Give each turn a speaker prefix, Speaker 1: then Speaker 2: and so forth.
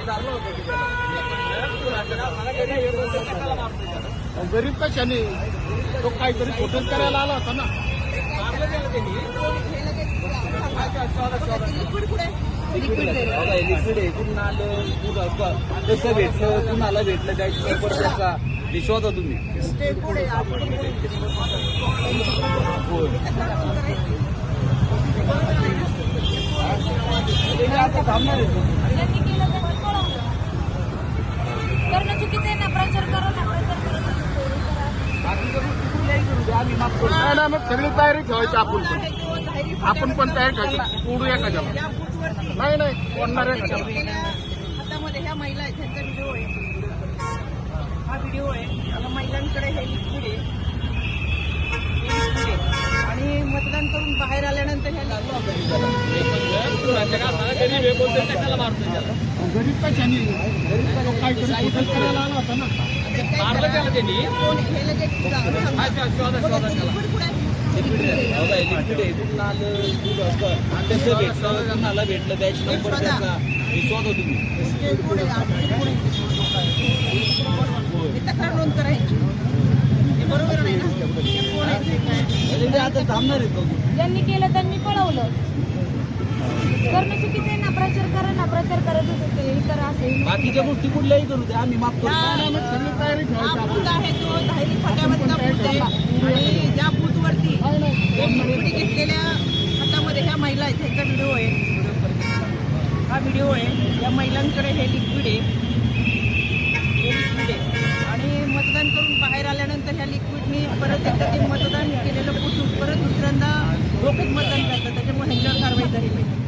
Speaker 1: गरीब कशाने तो काहीतरी फोटोच करायला आला होता ना.
Speaker 2: लिक्विड आहे कुठून आलं कसं भेटलं कुणाला भेटलं त्याची त्याचा विश्वास होता तुम्ही.
Speaker 3: करणं चुकीचं आहे ना. प्रचार करा ना.
Speaker 1: नाही ना, मग सगळी तयारी ठेवायची आपण पण तयारी ठेवायची. उडू एखाद्याला नाही नाही ओढणार एखाद्याला.
Speaker 4: हातामध्ये ह्या महिला आहेत त्यांचा व्हिडिओ आहे. हा व्हिडिओ आहे. आता महिलांकडे हे लिक्विड आहे आणि मतदान करून बाहेर आल्यानंतर ह्या
Speaker 1: गरीब कशाने तो काहीतरी फोटोच करायला आला होता ना.
Speaker 2: लिक्विड आहे कुठून आलं कसं भेटलं कुणाला भेटलं त्याची त्याचा विश्वास होता तुम्ही.
Speaker 4: तक्रार नोंद करायची. हे बरोबर नाही ना.
Speaker 2: आता थांबणार आहे.
Speaker 3: ज्यांनी केलं त्यांनी पळवलं. करणं चुकीचं आहे ना. प्रचार करा ना. प्रचार करत होते हे करा असेल.
Speaker 2: बाकीच्या गोष्टी कुठल्याही करू द्या आम्ही माफ करू.
Speaker 1: सगळी तयारी ठेवायची
Speaker 4: हा
Speaker 1: आपण.
Speaker 4: बूथ आहे तो धायरी फाट्यावरचा बूथ आहे आणि ज्या बूथवरती लिक्विड घेतलेल्या हातामध्ये ह्या महिला आहेत ह्यांचा व्हिडिओ आहे. हा व्हिडिओ आहे. या महिलांकडे हे लिक्विड आहे. आणि मतदान करून बाहेर आल्यानंतर ह्या लिक्विडनी परत एकदा ते मतदान केलेलं पुसून परत दुसऱ्यांदा रोखीत मतदान करतात. त्याच्यामुळे ह्यांच्यावर कारवाई झाली पाहिजे.